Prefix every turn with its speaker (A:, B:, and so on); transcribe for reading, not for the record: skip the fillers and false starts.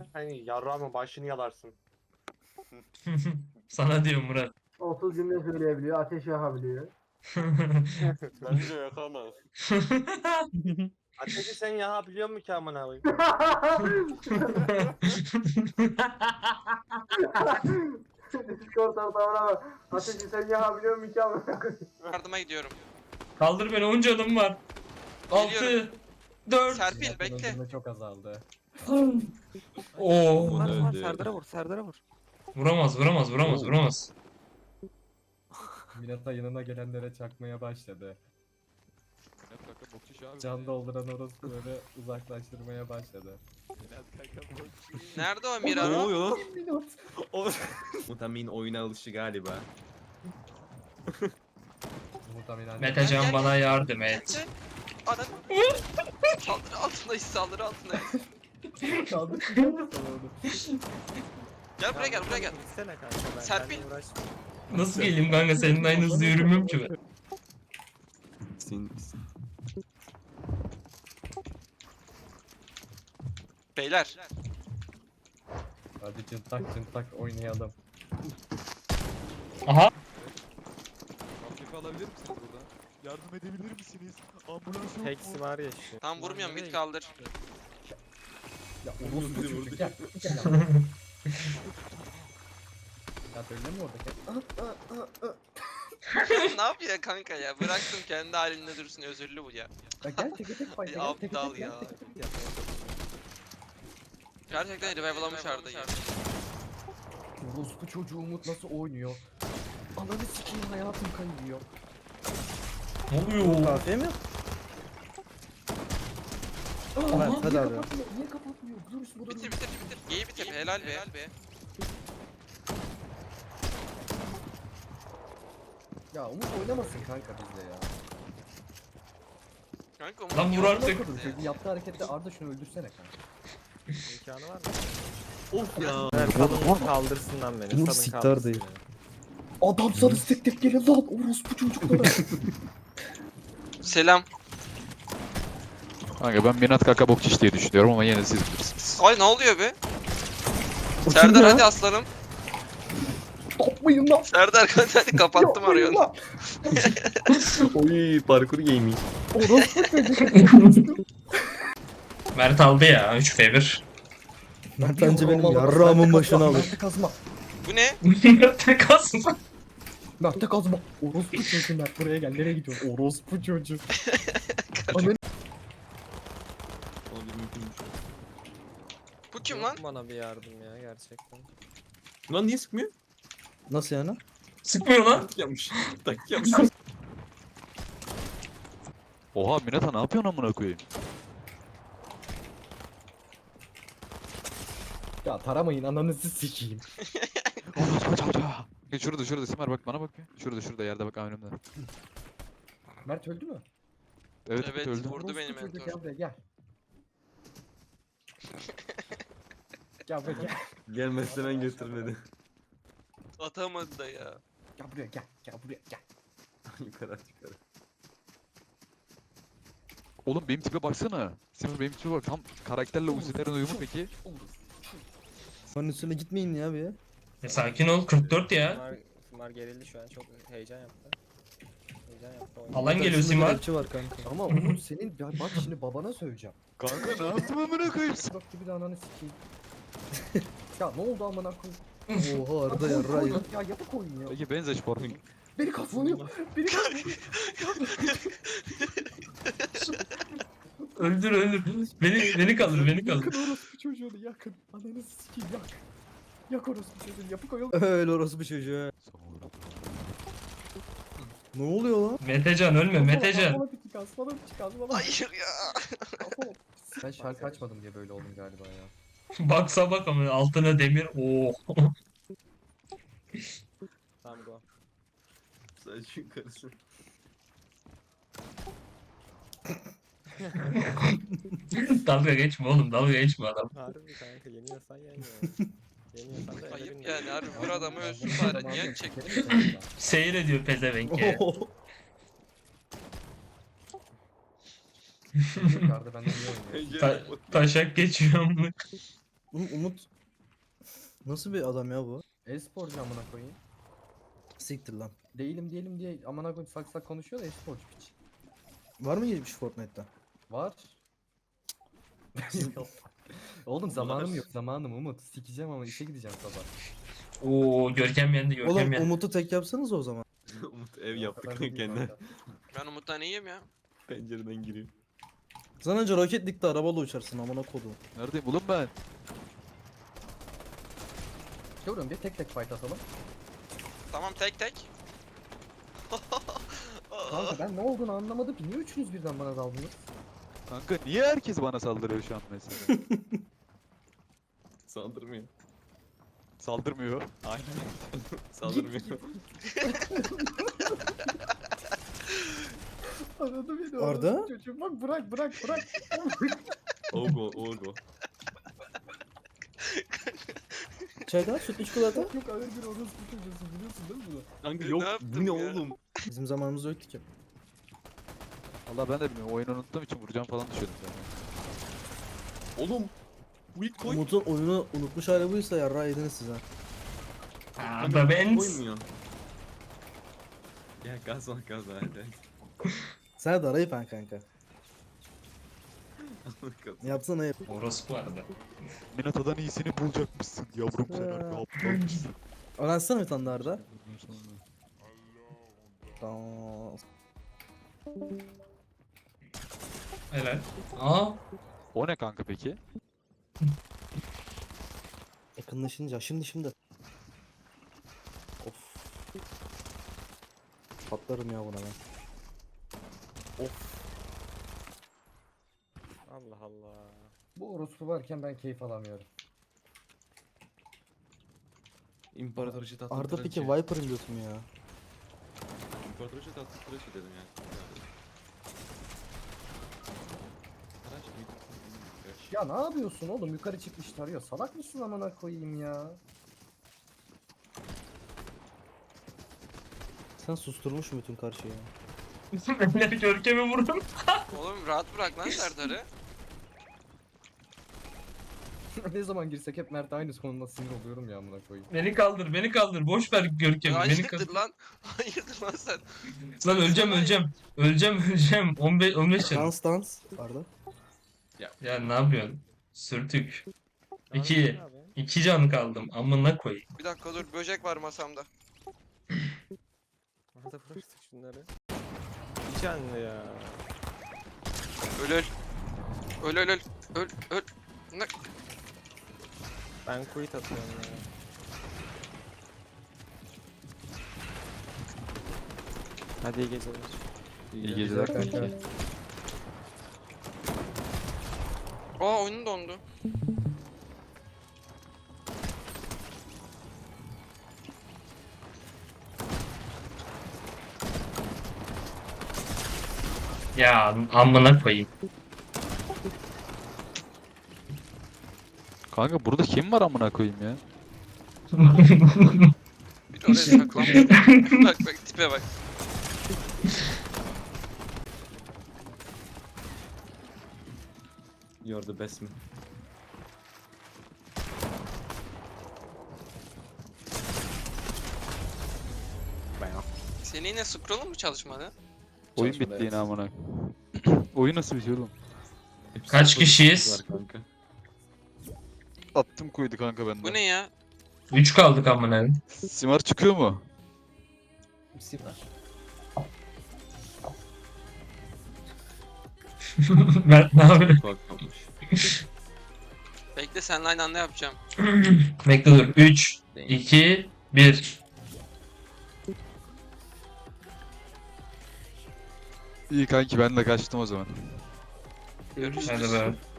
A: Hani yarrağımın başını yalarsın.
B: Sana diyorum Murat.
C: 30 cümle söyleyebiliyor, ateş yakabiliyor.
A: Bence yakamaz. Ateşi sen yakabiliyor musun ki amına koyayım?
C: Discord ortamına bak. Ateşi sen yakabiliyor musun ki amına koyayım?
D: Yardıma gidiyorum.
B: Kaldır beni, 10 canım var. 6,
D: Geliyorum.
B: 4.
D: Serpil bekle.
E: Öldürme çok azaldı.
B: Oo.
F: Var Serdar'a vur, Serdar'a vur.
B: Vuramaz.
E: Minata yanına gelenlere çakmaya başladı. Can dolduran orospu böyle uzaklaştırmaya başladı.
D: Nerede o
G: Ne
D: Mirano?
G: oluyor lan? Mutamin oyuna alışı galiba.
E: Muhtemelen
B: Metecan bana yardım et.
D: Ana. Saldırı altındayız, saldırı altındayız.
E: kaldı.
D: Gel buraya gel, buraya gel.
F: Gitsene kanka ben.
D: Serpil.
F: benle uğraşma.
B: Nasıl geleyim kanka, senin aynı hızlı yürümüyorum ki ben.
D: Beyler.
E: Hadi cıntak oynayalım.
B: Aha.
H: Akif alabilir misiniz burada? Yardım edebilir misiniz? Ambulans yok mu?
F: Hex var ya şu.
D: Tam vurmuyorum, mid kaldır.
E: Ya orospu çocuk gel. Gel. Ya öyle mi orada?
D: Ne yapıyor kanka ya? Bıraktım kendi halinde dursun, özürlü bu ya.
E: Ya gel tek tek fayda gel tek
D: Aptal
E: tek
D: ya.
E: gel tek tek.
D: Gerçekten revive'lamış Arda'yı.
E: Orospu çocuğu Umut nasıl oynuyor? Ananı sikeyim hayatım kayıyor.
B: Ne oluyor?
F: Kafiye mi?
E: Aa,
F: hadi
E: niye
F: abi.
E: kapatmıyor? Niye kapatmıyor? Dur bu da
D: Bitir. Geyi bitir, helal be.
E: Ya Umut oynamasın kanka bizle ya.
D: Kanka Umut
B: Lan vur
D: yok.
B: artık.
E: Çocuğun yaptığı harekette Arda şunu öldürsene kanka.
F: İmkanı var mı?
G: Of ya.
F: Evet, salın kaldırsın lan beni. Salın kaldırsın beni.
E: Adam sana tek gelin lan orospu çocuklara.
D: Selam.
H: Kanka ben Minat Kaka Bokçiş diye düşünüyorum ama yine siz bilirsiniz.
D: Ay ne oluyor be? Serdar hadi aslanım.
E: Topmayın lan.
D: Serdar hadi kapattım arayı.
G: Oy parkur gaming.
E: Orospu çocuk.
B: Mert aldı ya 3v1.
E: Mert bence benim yarrağımın başına alır. Mert'e kazma.
D: Bu ne?
B: Mert'e kasma.
E: Mert'e kazma. Orospu çocuğu Mert buraya gel. Nereye gidiyorsun? Orospu çocuğu. Ananı
D: Bu kim
F: Yok
D: lan?
F: bana bir yardım ya gerçekten.
G: Lan niye sıkmıyor?
E: nasıl yani?
B: Sıkmıyor lan.
G: Tak yapmış. Tak yapmış.
H: Oha Minata ne yapıyorsun amına koyayım?
E: Ya taramayın ananızı sikeyim.
H: Şurada Simer bak bana bak bir. Şurada yerde bak önümde.
E: Mert öldü mü?
H: Evet,
D: Evet,
H: öldü.
D: vurdu
E: Orospu
D: beni
E: çocuğu,
D: mentor.
E: Gel buraya gel. Gel buraya gel.
G: Gelmezse ben götürmedi.
D: Atamadı da ya.
E: Gel buraya gel. Gel buraya gel.
G: Yukarı at yukarı.
H: Oğlum benim tipe baksana. Simer benim tipe bak. Tam karakterle Uzi'lerin uyumu peki.
I: Onun üstüne gitmeyin ya bir.
B: Sakin ol, 44 ya.
F: Simar gerildi şu an çok heyecan yaptı. Heyecan yaptı. oyun.
B: Alan geliyor
I: Karşında
B: Simar.
I: kelepçe var kanka.
E: Ama Umut senin bak şimdi babana söyleyeceğim.
H: Kanka ne yaptım amına koyayım?
E: Bak gibi de ananı sikeyim. Ya ne oldu amına koyayım?
I: Oha Arda yarra ya.
E: Ya yapık oyun ya.
H: Peki benzeş formu.
E: Beni kazanıyor. Beni kazanıyor.
B: Öldür. Beni kaldır.
E: Yakın orospu çocuğunu yakın. Ananı sikeyim yak. Yak orospu çocuğunu yapık oyun.
I: Öyle orası bir çocuğa. Ne oluyor lan?
B: Metecan ölme Metecan.
E: Bana bir çıkaz, bana bir çıkaz, bana bir
D: Hayır ya.
E: çıkaz. Ben şarkı açmadım diye böyle oldum galiba ya.
B: Baksa bak ama altına demir. Oo.
F: Tamam go.
G: Sadece yukarısı.
B: Dalga geçme oğlum, dalga geçme adam.
F: Harbi kanka yeniyorsan yen ya. Yeniyorsan da
D: Ayıp
F: ellerin
D: yani harbi vur adamı ölsün
E: Tamam,
D: bari. Niye
E: tamam,
D: çekti?
E: çekelim mi sen de?
B: Seyrediyor pezevenk ya.
E: Yukarıda benden iyi oynuyor.
B: Taşak geçiyor amına.
I: Oğlum Umut nasıl bir adam ya bu?
E: E-sporcu amına koyayım.
I: Siktir lan.
E: Değilim diye amına koyayım sak sak konuşuyor da e-sporcu piç.
I: Var mı geçmiş Fortnite'ta?
E: Var. Oğlum zamanım yok zamanım Umut. Sikeceğim ama işe gideceğim sabah.
B: Oo Görkem yendi Görkem
I: Oğlum
B: yendi.
I: Umut'u tek yapsanız o zaman.
G: Umut ev
E: O
G: yaptı
E: kadar
G: kanka
E: değil
G: kendine.
E: kanka.
D: Ben Umut'tan iyiyim ya.
G: Pencereden giriyor.
I: Sen önce Rocket League'de arabayla uçarsın amına kodum.
H: Neredeyim oğlum ben?
E: Diyorum bir tek tek fight atalım.
D: Tamam tek tek.
E: Kanka ben ne olduğunu anlamadım ki. Niye üçünüz birden bana daldınız?
H: Kanka niye herkes bana saldırıyor şu an mesela?
G: Saldırmıyor.
H: Saldırmıyor. Aynen.
G: Saldırmıyor.
E: Anladım beni.
I: Arda?
E: orospu Çocuğum bak bırak.
G: Ogo.
I: Çaydan sütlü çikolata.
E: Yok ağır bir orospu çocuğusun biliyorsun değil mi bunu?
G: Kanka
D: Ne
G: yok
D: yaptım
G: bu ne
D: ya?
G: oğlum?
I: Bizim zamanımızda yoktu ki.
H: Allah ben de bilmiyorum. Oyunu unuttuğum için vuracağım falan düşüyordum ben.
G: Oğlum. Bu ilk koy.
I: Umut'un oyunu unutmuş hali buysa yarrağı yediniz size.
B: Arda Benz.
G: Koymuyor. Ya gaz var hadi.
I: Sen de arayıp ben kanka. Yapsana yap.
B: Orospu Arda.
H: Minato'dan iyisini bulacakmışsın yavrum sen harbi aptalmışsın.
I: Öğrensene bir tane daha Arda. Tamam.
B: Helal. Aa.
H: O ne kanka peki?
I: Yakınlaşınca şimdi. Of. Patlarım ya buna ben.
F: Allah Allah.
E: Bu orospu varken ben keyif alamıyorum.
G: İmparatoriçe tatlı
I: Arda
G: tıraşı.
I: peki Viper'ın götü mü ya?
G: İmparatoriçe tatlı tıraşı dedim ya. Tıraş mı?
E: Ya ne yapıyorsun oğlum? Yukarı çıkmış tarıyor. Salak mısın amına koyayım ya?
I: Sen susturmuş bütün karşıyı.
B: Beyler Görkem'i vurdum.
D: Oğlum rahat bırak lan Serdar'ı.
E: Ne zaman girsek hep Mert aynı sonunda sinir oluyorum ya amına koyayım.
B: Beni kaldır. Boş ver Görkem'i. Beni kaldır.
D: Hayırdır lan? Hayırdır lan sen?
B: Lan öleceğim. 15 canım.
I: Dans. Arda.
B: Ya ne yapıyorsun? Sürtük.
F: Abi,
B: 2.
F: abi.
B: 2 can kaldım. Amına koyayım.
D: Bir dakika dur böcek var masamda.
F: Arada bıraktık şunları. Bir canlı ya.
D: Öl. Öl. Ne?
F: Ben quit atıyorum ya. Hadi iyi geceler.
H: İyi geceler kanka.
D: Aa oyunun dondu.
B: Ya amına koyayım.
H: Kanka burada kim var amına koyayım ya?
D: Bir oraya saklanmıyor. bak tipe bak.
G: You're the best man.
D: Senin yine scroll'un mu çalışmadı?
H: Oyun
G: Çalışmadı,
H: bitti yine
G: evet.
H: amına. Oyun nasıl bitiyor oğlum?
B: Kaç kişiyiz?
G: Var kanka.
H: Attım koydu kanka bende.
D: Bu ne ya?
B: 3 kaldık amına.
H: Simar çıkıyor mu?
B: Mert ne yapıyor?
G: Bak olmuş.
D: Bekle seninle aynı anda yapacağım.
B: Bekle dur. 3, 2, 1.
H: İyi kanki ben de kaçtım o zaman.
D: Görüşürüz.
B: Hadi be.